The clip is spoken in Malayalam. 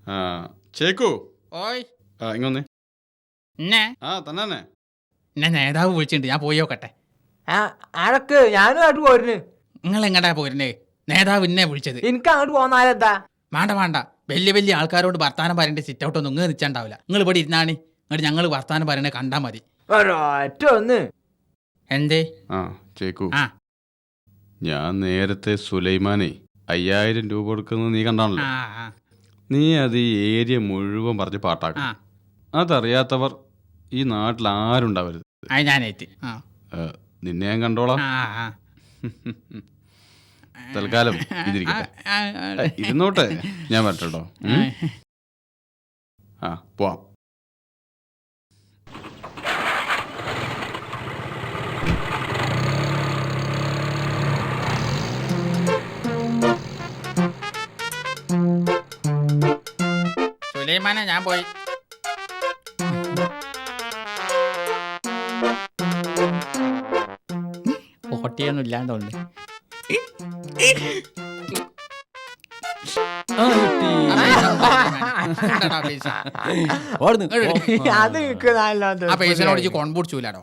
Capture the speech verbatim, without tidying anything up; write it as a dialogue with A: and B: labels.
A: ആ ചേക്കു
B: ഓയ്
A: ആ ഇങ്ങൊന്നേ.
B: എന്നെ
A: ആ തന്നെ
B: എന്നെ നേതാവ് വിളിച്ചിട്ടുണ്ട്, ഞാൻ പോയി നോക്കട്ടെ.
C: ആരൊക്കെ ഞാനും അങ്ങോട്ട് പോരുന്നു.
B: നിങ്ങൾ എങ്ങടാ പോരുന്നേ? നേതാവ് എന്നെ വിളിച്ചത്.
C: എനിക്ക് അങ്ങോട്ട് പോന്നാലെന്താ?
B: വേണ്ട വേണ്ട, വലിയ വലിയ ആൾക്കാരോട് വർത്താനം പറയേണ്ട സിറ്റ് ഔട്ട് ഒന്നും ഇങ്ങനെ നിൽച്ചാണ്ടാവില്ല. നിങ്ങൾ ഇവിടെ ഇരുന്നാണ് എന്നിട്ട് ഞങ്ങൾ വർത്താനം പറയണേ കണ്ടാ മതി.
C: ഒരൊറ്റ ഒന്ന്.
B: എന്തേ?
A: ആ ചേക്കു,
B: ആ
A: ഞാൻ നേരത്തെ സുലൈമാനെ അയ്യായിരം രൂപ കൊടുക്കുന്നത് നീ കണ്ടാണല്ലോ.
B: ആ ആ
A: നീ അത് ഈ ഏരിയ മുഴുവൻ പറഞ്ഞ് പാട്ടാക്കും.
B: ആ
A: അതറിയാത്തവർ ഈ നാട്ടിൽ ആരുണ്ടാവരുത്.
B: അത് ഞാനേറ്റ്. ആ
A: ഏ, നിന്നെ ഞാൻ കണ്ടോളാം.
B: ആ ആ
A: തൽക്കാലം ഇതിരിക്കട്ടെ.
B: ആ, ആ,
A: ഇരുന്നോട്ടെ, ഞാൻ വരട്ടോ. ആ പോവാം.
B: സുലൈമാനെ ഞാൻ പോയി. ഓട്ടിയൊന്നും ഇല്ലാണ്ടോണ്ട്.
C: അത് നിക്ക് നല്ലോണം
B: ആ പൈസനോട് കോൺ പിടിച്ചൂലാടോ.